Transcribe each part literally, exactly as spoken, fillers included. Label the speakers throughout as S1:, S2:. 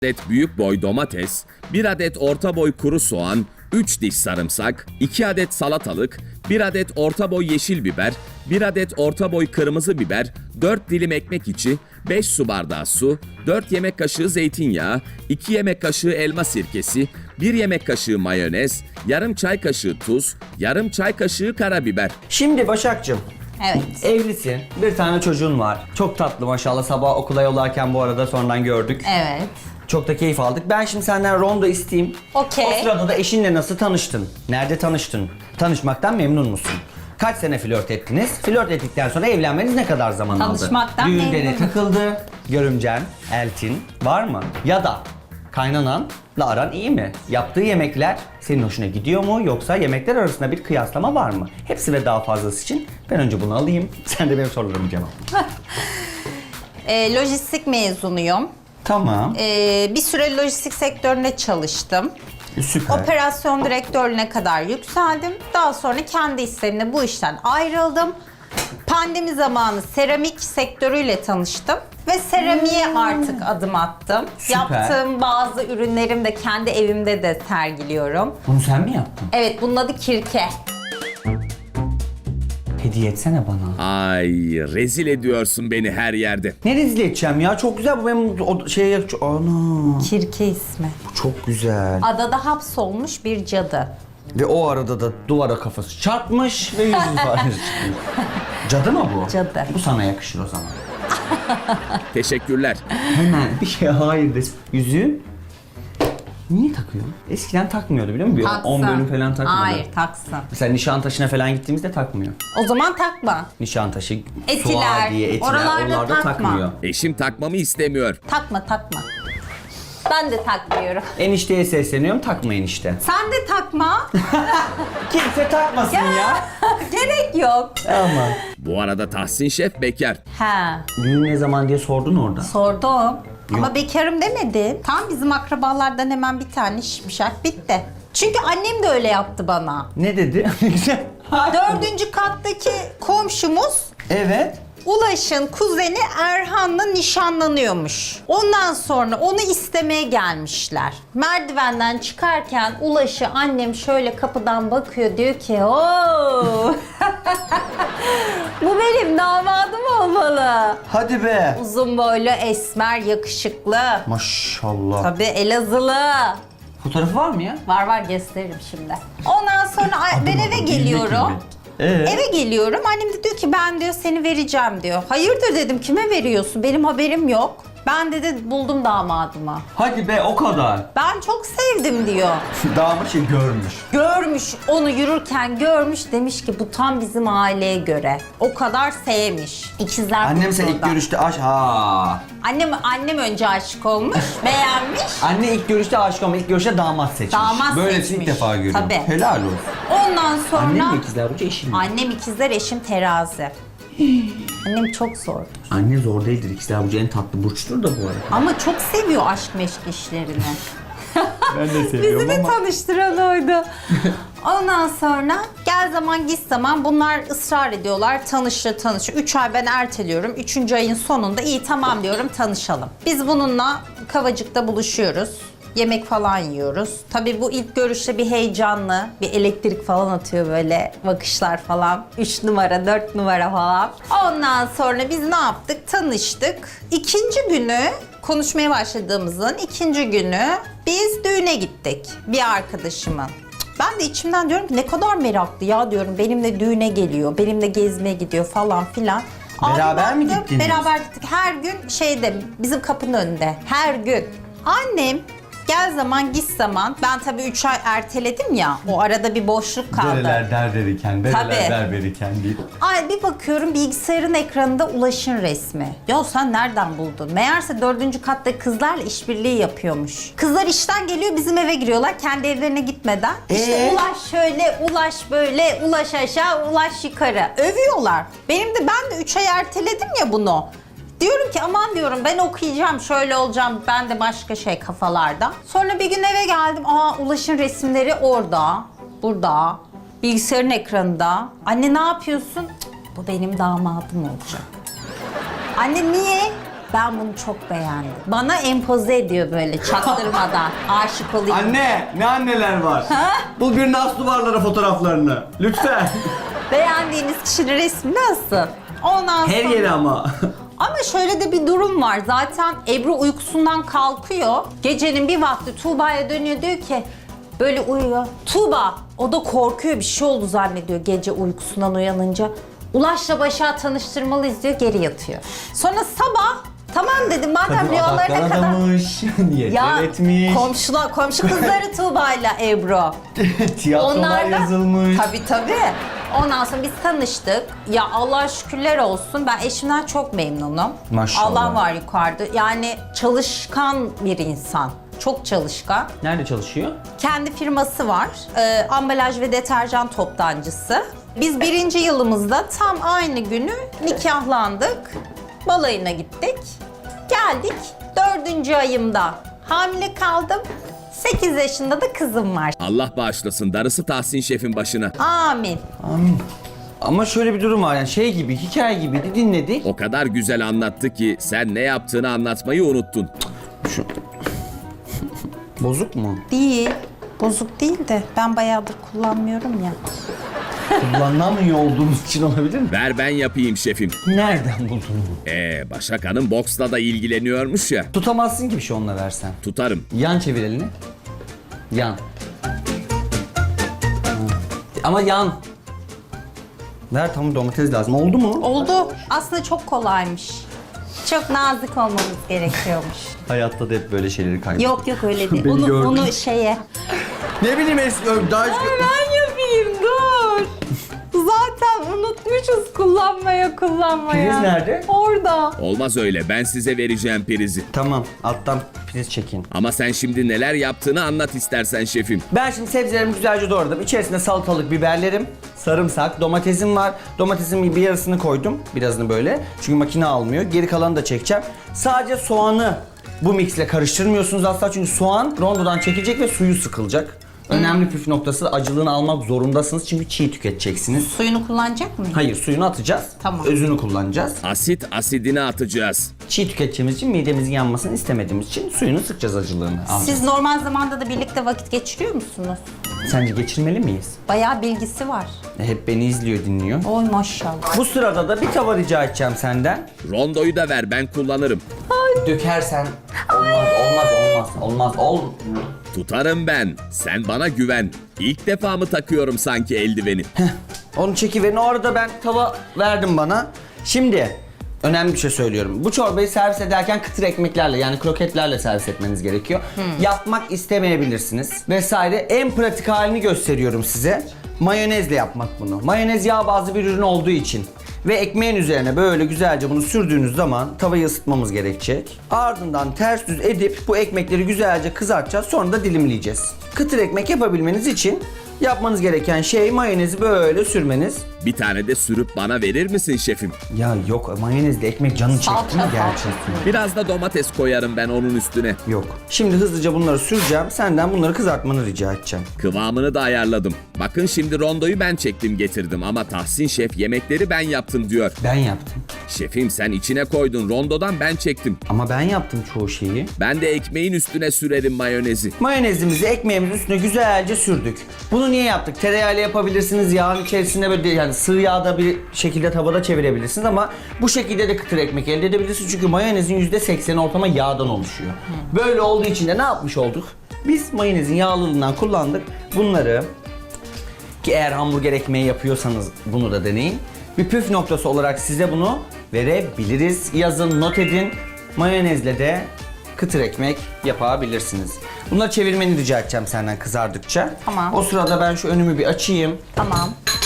S1: adet büyük boy domates, bir adet orta boy kuru soğan, üç diş sarımsak, iki adet salatalık, bir adet orta boy yeşil biber, bir adet orta boy kırmızı biber, dört dilim ekmek içi, beş su bardağı su, dört yemek kaşığı zeytinyağı, iki yemek kaşığı elma sirkesi, bir yemek kaşığı mayonez, yarım çay kaşığı tuz, yarım çay kaşığı karabiber.
S2: Şimdi Başak'cığım,
S3: Evet.
S2: evlisin, bir tane çocuğun var. Çok tatlı maşallah, sabah okula yollarken bu arada sonradan gördük.
S3: Evet.
S2: Çok da keyif aldık. Ben şimdi senden rondo isteyeyim.
S3: Okey.
S2: O sırada da eşinle nasıl tanıştın? Nerede tanıştın? Tanışmaktan memnun musun? Kaç sene flört ettiniz? Flört ettikten sonra evlenmeniz ne kadar zaman aldı?
S3: Tanışmaktan
S2: Düğünde ne
S3: memnunum.
S2: takıldı? Görümcen, eltin var mı? Ya da kaynananla aran iyi mi? Yaptığı yemekler senin hoşuna gidiyor mu? Yoksa yemekler arasında bir kıyaslama var mı? Hepsi ve daha fazlası için ben önce bunu alayım. Sen de benim sorularımı cevapla.
S3: Ee, lojistik mezunuyum.
S2: Tamam.
S3: Ee, bir süre lojistik sektöründe çalıştım.
S2: Süper.
S3: Operasyon direktörlüğüne kadar yükseldim. Daha sonra kendi isteğimle bu işten ayrıldım. Pandemi zamanı seramik sektörüyle tanıştım. Ve seramiğe artık adım attım.
S2: Süper.
S3: Yaptığım bazı ürünlerimi de kendi evimde de sergiliyorum.
S2: Bunu sen mi yaptın?
S3: Evet, bunun adı kirke.
S2: Hediye etsene bana.
S1: Ay, rezil ediyorsun beni her yerde.
S2: Ne rezil edeceğim ya? Çok güzel bu, benim o şey... Ana,
S3: Kirke ismi.
S2: bu çok güzel.
S3: Adada hapsolmuş bir cadı.
S2: Ve o arada da duvara kafası çarpmış ve yüzünü ifadesi çıkmış. Cadı mı bu?
S3: Cadı.
S2: Bu sana yakışır o zaman.
S1: Teşekkürler.
S2: Hemen bir şey hayır desin. Yüzüğü niye takıyorsun? Eskiden takmıyordu biliyor musun?
S3: Taksın.
S2: on bölüm falan takmıyordu.
S3: Hayır, taksın.
S2: Mesela Nişantaşı'na falan gittiğimizde takmıyor.
S3: O zaman takma.
S2: Nişantaşı,
S3: Etiler,
S2: Suadiye, Etiler
S3: oralarda
S2: oralarda
S3: takma.
S2: takmıyor.
S1: Eşim takmamı istemiyor.
S3: Takma, takma. Ben de takmıyorum.
S2: Enişteye sesleniyorum, takmayın işte.
S3: Sen de takma.
S2: Kimse takmasın ya.
S3: Gerek yok.
S2: Ama.
S1: Bu arada Tahsin Şef bekar.
S3: Ha,
S2: Düğün ne zaman diye sordun orada.
S3: sordum. Ama bekarım demedi. Tam bizim akrabalardan hemen bir tane şimşak bitti. Çünkü annem de öyle yaptı bana.
S2: Ne dedi? Ne güzel.
S3: Dördüncü kattaki komşumuz
S2: Evet.
S3: Ulaş'ın kuzeni Erhan'la nişanlanıyormuş. Ondan sonra onu istemeye gelmişler. Merdivenden çıkarken Ulaş'ı annem şöyle kapıdan bakıyor, diyor ki ooo bu benim damadım olmalı.
S2: Hadi be.
S3: Uzun boylu, esmer, yakışıklı.
S2: Maşallah.
S3: Tabii Elazığlı.
S2: Fotoğrafı var mı ya?
S3: Var var, gösteririm şimdi. Ondan sonra ay- ben eve geliyorum.
S2: Ee?
S3: Eve geliyorum. Annem de diyor ki ben diyor seni vereceğim diyor. Hayırdır dedim, kime veriyorsun? Benim haberim yok. Ben dedi buldum damadımı.
S2: Hadi be, o kadar.
S3: Ben çok sevdim diyor.
S2: Damat şey görmüş.
S3: Görmüş, onu yürürken görmüş, demiş ki bu tam bizim aileye göre. O kadar sevmiş. İkizler
S2: Annem sen ilk
S3: Burcu'nda.
S2: görüşte aş ha.
S3: Annem, annem önce aşık olmuş, beğenmiş.
S2: Anne ilk görüşte aşık ama ilk görüşte damat seçmiş.
S3: Damat
S2: Böylesini
S3: seçmiş.
S2: ilk defa görüyorum.
S3: Tabii.
S2: Helal olsun.
S3: Ondan sonra...
S2: Annem mi ikizler burcu, eşin mi?
S3: Annem ikizler, eşim terazi. Annem çok zor.
S2: Anne zor değildir. İkizler burcu en tatlı burçtur da bu arada.
S3: Ama çok seviyor aşk meşk işlerini.
S2: Ben de
S3: Bizi de tanıştıran oydu. Ondan sonra gel zaman git zaman bunlar ısrar ediyorlar. Tanışır tanışır. Üç ay ben erteliyorum. Üçüncü ayın sonunda iyi tamam diyorum, tanışalım. Biz bununla Kavacık'ta buluşuyoruz. Yemek falan yiyoruz. Tabii bu ilk görüşte bir heyecanlı, bir elektrik falan atıyor böyle, bakışlar falan. Üç numara, dört numara falan. Ondan sonra biz ne yaptık? Tanıştık. İkinci günü, konuşmaya başladığımızın ikinci günü biz düğüne gittik. Bir arkadaşımın. Ben de içimden diyorum ki ne kadar meraklı ya diyorum. Benimle düğüne geliyor, benimle gezmeye gidiyor falan filan.
S2: Beraber
S3: Abi
S2: mi
S3: baktım,
S2: gittiniz?
S3: Beraber gittik. Her gün şeyde, bizim kapının önünde. Her gün. Annem gel zaman git zaman. Ben tabii üç ay erteledim ya. O arada bir boşluk kaldı.
S2: Dereler der verirken, dereler
S3: Tabii.
S2: der verirken değil.
S3: Ay bir bakıyorum bilgisayarın ekranında Ulaş'ın resmi. Ya sen nereden buldun? Meğerse dördüncü katta kızlarla işbirliği yapıyormuş. Kızlar işten geliyor, bizim eve giriyorlar kendi evlerine gitmeden. İşte
S2: Ee?
S3: Ulaş şöyle, Ulaş böyle, Ulaş aşağı, Ulaş yukarı. Övüyorlar. Benim de ben de üç ay erteledim ya bunu. Diyorum ki aman diyorum ben okuyacağım, şöyle olacağım, ben de başka şey kafalarda. Sonra bir gün eve geldim, aa Ulaş'ın resimleri orada, burada, bilgisayarın ekranında. Anne ne yapıyorsun? Cık, bu benim damadım olacak. Anne niye? Ben bunu çok beğendim. Bana empoze ediyor böyle çaktırmadan. Aşık olayım.
S2: Anne, ne anneler var?
S3: Ha?
S2: Bul birine as duvarlara fotoğraflarını. Lütfen.
S3: Beğendiğiniz kişinin resmi nasıl? Ondan
S2: Her
S3: sonra...
S2: yeri ama.
S3: Ama şöyle de bir durum var. Zaten Ebru uykusundan kalkıyor. Gecenin bir vakti Tuğba'ya dönüyor, diyor ki böyle uyuyor. Tuğba, o da korkuyor, bir şey oldu zannediyor gece uykusundan uyanınca. Ulaş'la Başak'ı tanıştırmalıyız diyor, geri yatıyor. Sonra sabah tamam dedim madem rüyalarına kadar...
S2: adamış, niyetler etmiş.
S3: komşular, komşu kızları Tuğba'yla Ebru.
S2: Tiyatrolar
S3: da-
S2: yazılmış.
S3: Tabii tabii. Ondan sonra biz tanıştık. Ya Allah şükürler olsun. Ben eşimden çok memnunum.
S2: Maşallah.
S3: Allah var yukarıda. Yani çalışkan bir insan. Çok çalışkan.
S2: Nerede çalışıyor?
S3: Kendi firması var. Ee, ambalaj ve deterjan toptancısı. Biz birinci yılımızda tam aynı günü nikahlandık. Balayına gittik. Geldik. Dördüncü ayımda hamile kaldım. sekiz yaşında da kızım var.
S1: Allah bağışlasın, darısı Tahsin Şef'in başına.
S3: Amin.
S2: Amin. Ama şöyle bir durum var yani şey gibi, hikaye gibi de dinledik.
S1: O kadar güzel anlattı ki sen ne yaptığını anlatmayı unuttun.
S2: Şu... Bozuk mu?
S3: Değil. Bozuk değil de ben bayağıdır kullanmıyorum ya.
S2: Kullanamıyor olduğumuz için olabilir mi?
S1: Ver ben yapayım şefim.
S2: Nereden buldun bunu?
S1: Ee, Başak Hanım boksla da ilgileniyormuş ya.
S2: Tutamazsın ki bir şey onunla versen.
S1: Tutarım.
S2: Yan çevir elini. Yan. Ama yan. Ver, tamam, domates lazım. Oldu mu?
S3: Oldu. Aslında çok kolaymış. Çok nazik olmamız gerekiyormuş.
S2: Hayatta da hep böyle şeyleri kaybediyor.
S3: Yok yok öyle değil.
S2: Beni
S3: Onu,
S2: gördün.
S3: onu şeye.
S2: Ne bileyim eski daha eski...
S3: Ben yapayım dur. Zaten unutmuşuz kullanmaya kullanmaya.
S2: Priz nerede?
S3: Orada.
S1: Olmaz öyle, ben size vereceğim prizi.
S2: Tamam, alttan priz çekin.
S1: Ama sen şimdi neler yaptığını anlat istersen şefim.
S2: Ben şimdi sebzelerimi güzelce doğradım. İçerisine salatalık, biberlerim, sarımsak, domatesim var. Domatesin bir yarısını koydum. Birazını böyle. Çünkü makine almıyor. Geri kalanı da çekeceğim. Sadece soğanı bu mixle karıştırmıyorsunuz asla. Çünkü soğan rondodan çekilecek ve suyu sıkılacak. Önemli püf noktası, acılığını almak zorundasınız çünkü çiğ tüketeceksiniz.
S3: Suyunu kullanacak mıyım?
S2: Hayır, suyunu atacağız.
S3: Tamam.
S2: Özünü kullanacağız.
S1: Asit asidini atacağız.
S2: Çiğ tüketeceğimiz için, midemizin yanmasını istemediğimiz için suyunu sıkacağız, acılığını.
S3: Siz normal zamanda da birlikte vakit geçiriyor musunuz?
S2: Sence geçirmeli miyiz?
S3: Bayağı bilgisi var.
S2: E, hep beni izliyor, dinliyor.
S3: Oy maşallah.
S2: Bu sırada da bir tava rica edeceğim senden.
S1: Rondoyu da ver, ben kullanırım.
S2: Dökersen olmaz, olmaz, olmaz, olmaz, ol.
S1: Tutarım ben. Sen bana güven. İlk defa mı takıyorum sanki eldiveni?
S2: Onu çekiverin. O arada ben tava verdim bana. Şimdi önemli bir şey söylüyorum. Bu çorbayı servis ederken kıtır ekmeklerle, yani kroketlerle servis etmeniz gerekiyor. Yapmak istemeyebilirsiniz vesaire. En pratik halini gösteriyorum size. Mayonezle yapmak bunu. Mayonez yağ bazlı bir ürün olduğu için. Ve ekmeğin üzerine böyle güzelce bunu sürdüğünüz zaman tavayı ısıtmamız gerekecek. Ardından ters düz edip bu ekmekleri güzelce kızartacağız. Sonra da dilimleyeceğiz. Kıtır ekmek yapabilmeniz için yapmanız gereken şey mayonezi böyle sürmeniz.
S1: Bir tane de sürüp bana verir misin şefim?
S2: Ya yok, mayonezle ekmek canın çekti mi
S3: Salça,
S2: gerçekten?
S1: Biraz da domates koyarım ben onun üstüne.
S2: Yok. Şimdi hızlıca bunları süreceğim. Senden bunları kızartmanı rica edeceğim.
S1: Kıvamını da ayarladım. Bakın şimdi rondoyu ben çektim getirdim ama Tahsin Şef yemekleri ben yaptım diyor.
S2: Ben yaptım.
S1: Şefim sen içine koydun, rondodan ben çektim.
S2: Ama ben yaptım çoğu şeyi.
S1: Ben de ekmeğin üstüne sürerim mayonezi.
S2: Mayonezimizi ekmeğimizin üstüne güzelce sürdük. Bunu niye yaptık? Tereyağıyla yapabilirsiniz. Yağın içerisinde böyle yani sığ yağda bir şekilde tavada çevirebilirsiniz ama bu şekilde de kıtır ekmek elde edebilirsiniz. Çünkü mayonezin yüzde sekseni ortama yağdan oluşuyor. Böyle olduğu için de ne yapmış olduk? Biz mayonezin yağlılığından kullandık. Bunları, ki eğer hamburger ekmeği yapıyorsanız bunu da deneyin. Bir püf noktası olarak size bunu verebiliriz. Yazın, not edin. Mayonezle de kıtır ekmek yapabilirsiniz. Bunları çevirmeni rica edeceğim senden kızardıkça.
S3: Tamam.
S2: O sırada ben şu önümü bir açayım.
S3: Tamam.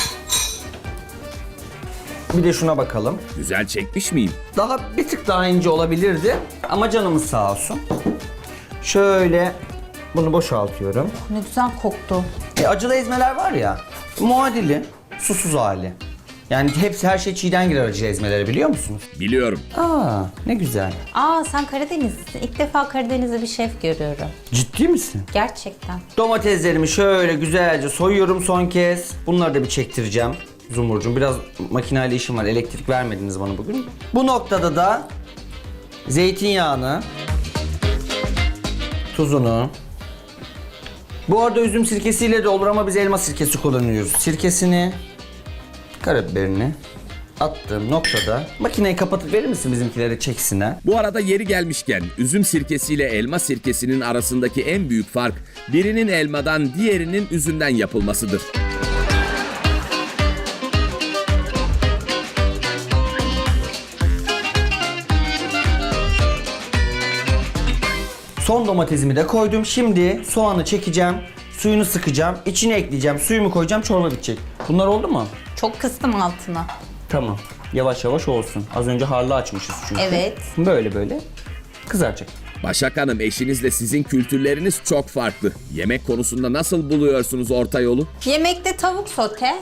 S2: Bir de şuna bakalım.
S1: Güzel çekmiş miyim?
S2: Daha bir tık daha ince olabilirdi ama canımız sağ olsun. Şöyle bunu boşaltıyorum.
S3: Ne güzel koktu.
S2: E, acılı ezmeler var ya, muadili, susuz hali. Yani hepsi, her şey çiğden girer acı ezmelere, biliyor musunuz?
S1: Biliyorum.
S2: Aa, ne güzel.
S3: Aa sen Karadenizlisin. İlk defa Karadenizli bir şef görüyorum.
S2: Ciddi misin?
S3: Gerçekten.
S2: Domateslerimi şöyle güzelce soyuyorum son kez. Bunları da bir çektireceğim. Zumurcuğum, biraz makineyle işim var. Elektrik vermediniz bana bugün. Bu noktada da zeytinyağını, tuzunu. Bu arada üzüm sirkesiyle de olur ama biz elma sirkesi kullanıyoruz. Sirkesini, karabiberini attığım noktada makineyi kapatıp verir misin bizimkilere çeksinler?
S1: Bu arada yeri gelmişken üzüm sirkesiyle elma sirkesinin arasındaki en büyük fark birinin elmadan diğerinin üzümden yapılmasıdır.
S2: Son domatesimi de koydum. Şimdi soğanı çekeceğim, suyunu sıkacağım, içine ekleyeceğim, suyumu koyacağım, çorba bitecek. Bunlar oldu mu?
S3: Çok kıstım altına.
S2: Tamam. Yavaş yavaş olsun. Az önce harlı açmışız çünkü.
S3: Evet.
S2: Böyle böyle kızaracak.
S1: Başak Hanım, eşinizle sizin kültürleriniz çok farklı. Yemek konusunda nasıl buluyorsunuz orta yolu?
S3: Yemekte tavuk sote.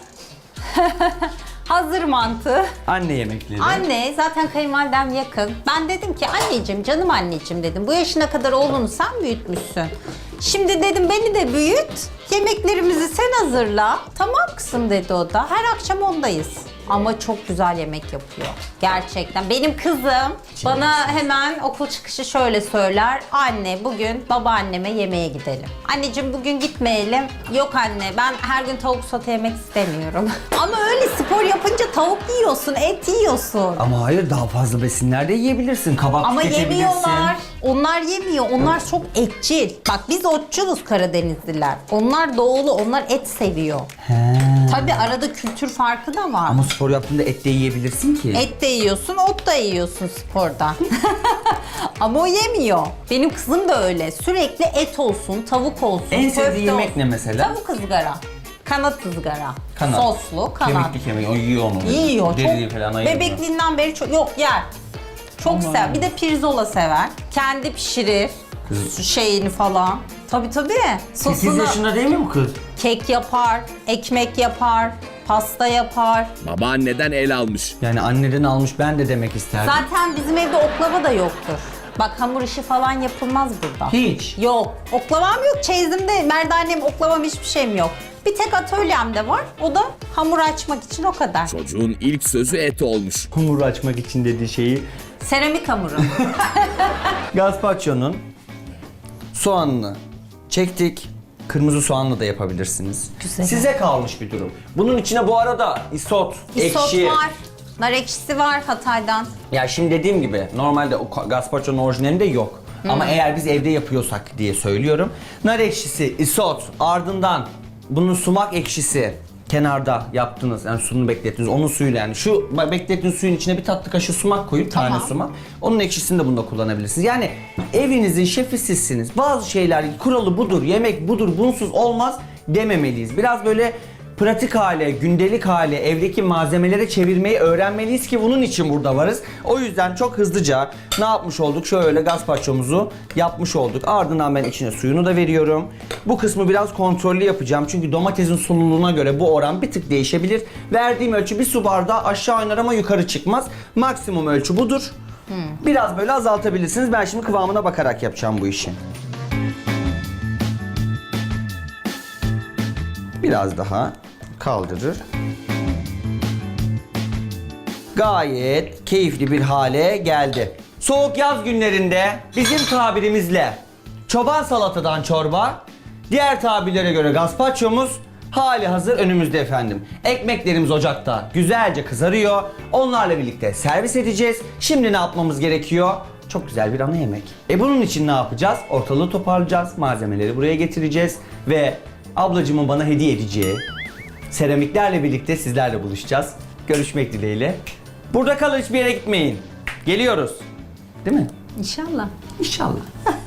S3: Hazır mantı.
S2: Anne yemekleri.
S3: Anne zaten kayınvalidem yakın. Ben dedim ki anneciğim, canım anneciğim dedim. Bu yaşına kadar oğlunu sen büyütmüşsün. Şimdi dedim beni de büyüt. Yemeklerimizi sen hazırla. Tamam kızım dedi o da. Her akşam ondayız. Ama çok güzel yemek yapıyor. Gerçekten. Benim kızım bana hemen okul çıkışı şöyle söyler. Anne bugün babaanneme yemeğe gidelim. Anneciğim bugün gitmeyelim. Yok anne ben her gün tavuk sote yemek istemiyorum. Ama öyle spor yapınca tavuk yiyorsun, et yiyorsun.
S2: Ama hayır, daha fazla besinler de yiyebilirsin. Kabak
S3: Ama
S2: tüketebilirsin.
S3: yemiyorlar. Onlar yemiyor. Onlar çok etçil. Bak biz otçuluz Karadenizliler. Onlar doğulu. Onlar et seviyor.
S2: He.
S3: Tabii arada kültür farkı da var.
S2: Ama spor yaptığında et de yiyebilirsin ki.
S3: Et de yiyorsun, ot da yiyorsun sporda. Ama o yemiyor. Benim kızım da öyle. Sürekli et olsun, tavuk olsun,
S2: En sevdiği
S3: köfte
S2: yemek
S3: olsun.
S2: ne mesela?
S3: Tavuk ızgara. Kanat ızgara.
S2: Kanat.
S3: Soslu kanat.
S2: Kemikli kemik. O yiyor onu.
S3: Yiyor.
S2: Deriyi
S3: Çok,
S2: falan ayırmıyor.
S3: bebekliğinden beri çok, yok yer. Çok sever. Bir de pirzola sever. Kendi pişirir.
S2: Kız-
S3: Şeyini falan. Tabii tabii.
S2: sekiz
S3: Sosunu
S2: yaşında değil mi bu kız?
S3: kek yapar, ekmek yapar, pasta yapar.
S1: Babaanneden el almış.
S2: Yani anneden almış, ben de demek isterdim.
S3: Zaten bizim evde oklava da yoktur. Bak hamur işi falan yapılmaz burada.
S2: Hiç.
S3: Yok. Oklavam yok. Çeyizimde merdanem, oklavam hiçbir şeyim yok. Bir tek atölyemde var. O da hamur açmak için o kadar.
S1: Çocuğun ilk sözü et olmuş.
S2: Hamuru açmak için dediği şeyi.
S3: Seramik hamuru.
S2: Gazpacho'nun soğanını çektik. Kırmızı soğanla da yapabilirsiniz.
S3: Güzel.
S2: Size kalmış bir durum. Bunun içine bu arada isot,
S3: Isot
S2: ekşi.
S3: var. Nar ekşisi var Hatay'dan.
S2: Ya şimdi dediğim gibi normalde o gazpacho'nun orijinalinde yok. Ama eğer biz evde yapıyorsak diye söylüyorum. Nar ekşisi, isot, ardından bunun sumak ekşisi kenarda yaptınız. Yani suyunu beklettiniz. Onun suyuyla yani şu beklettiğiniz suyun içine bir tatlı kaşığı sumak koyup
S3: Tamam.
S2: tane sumak. Onun ekşisini de bunda kullanabilirsiniz. Yani evinizin şefi sizsiniz. Bazı şeyler kuralı budur, yemek budur, bunsuz olmaz dememeliyiz. Biraz böyle pratik hale, gündelik hale, evdeki malzemelere çevirmeyi öğrenmeliyiz ki bunun için burada varız. O yüzden çok hızlıca ne yapmış olduk? Şöyle gazpacho'muzu yapmış olduk. Ardından ben içine suyunu da veriyorum. Bu kısmı biraz kontrollü yapacağım. Çünkü domatesin sululuğuna göre bu oran bir tık değişebilir. Verdiğim ölçü bir su bardağı aşağı iner ama yukarı çıkmaz. Maksimum ölçü budur. Biraz böyle azaltabilirsiniz. Ben şimdi kıvamına bakarak yapacağım bu işi. Biraz daha kaldırır. Gayet keyifli bir hale geldi. Soğuk yaz günlerinde bizim tabirimizle çoban salatadan çorba, diğer tabirlere göre gazpacho'muz hali hazır önümüzde efendim. Ekmeklerimiz ocakta güzelce kızarıyor. Onlarla birlikte servis edeceğiz. Şimdi ne yapmamız gerekiyor? Çok güzel bir ana yemek. E bunun için ne yapacağız? Ortalığı toparlayacağız. Malzemeleri buraya getireceğiz ve ablacımın bana hediye edeceği seramiklerle birlikte sizlerle buluşacağız. Görüşmek dileğiyle. Burada kalın, hiçbir yere gitmeyin. Geliyoruz. Değil mi?
S3: İnşallah.
S2: İnşallah.